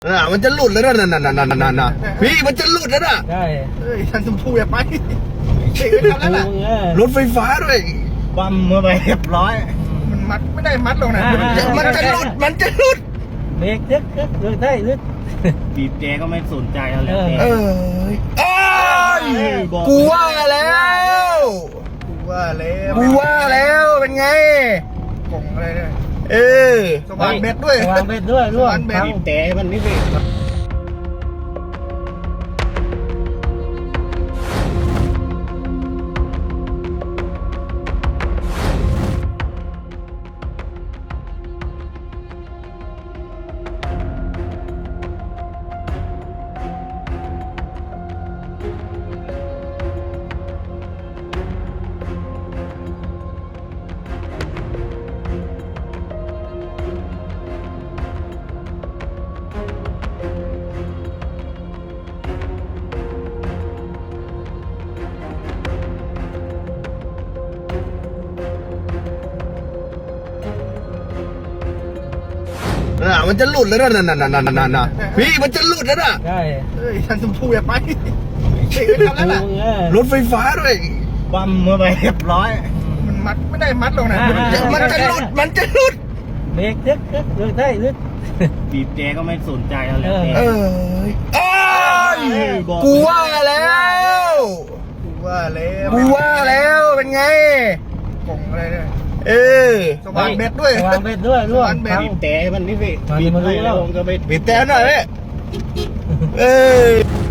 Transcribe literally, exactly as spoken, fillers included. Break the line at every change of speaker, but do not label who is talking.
อ่ามันจะหลุดแล้วนะนั่นนั่นนั่นนั่นนะพี่มันจะหลุดแล้วนะ
ใช่
เฮ้ยท่านชมพูอย่าไปเด็กไม่ทำแล้วล่ะ
รถไฟฟ้าด้วย
บัมเมื่อไปเรียบร้อย มันมัดไม่ได้มัดลงนะ
มันจะมันจะหลุดมันจะหลุด
เบรกทึกทึกทึกได้ทึก
บีบแกก็ไม่สนใจแล้ว
เออ
เออเอ้ยกูว่าแล้ว
กูว่าแล้ว
กูว่าแล้วเป็นไง
กงอะไรเนี่ย
เออ
สว่านเบ็ดด้วย
วางเบ็ดด้วยร่วง
สว่านเบ็ด
ทั้ง
บีบแต่มันนี่สิ
อ่ามันจะหลุดแล้วนะนั่นนั่นนั่นนั่นนั่นนะพี่มันจะหลุดแล้วนะ
ใช่
เฮ้ยท่านชมพูอย่าไปเด็กไม่ทำแล้วล่ะ
รถไฟฟ้าด้วย
บัมเมื่อไปเรียบร้อย มันมัดไม่ได้มัดลงนะ
มันจะมันจะหลุดมันจะหลุด
เบรกทึกทึกทึกได้ทึก
บีบแกก็ไม่สนใจแล้ว
เออ
เออเอ้ยกูว่าแล้ว
กูว่าแล้ว
กูว่าแล้วเป็นไง
กงอะไรเนี่ย
เออ
สว่านเบ็ดด้วย
วางเบ็ดด้วยร่วง
สว่านเบ็ด
ทั้ง
บีบแต่มันนี่สิ
มัน
บีบ
มันรู้
ให้
แล้
แล้ว วก็ไป
บีบแต่หน่อยเว้ยเออ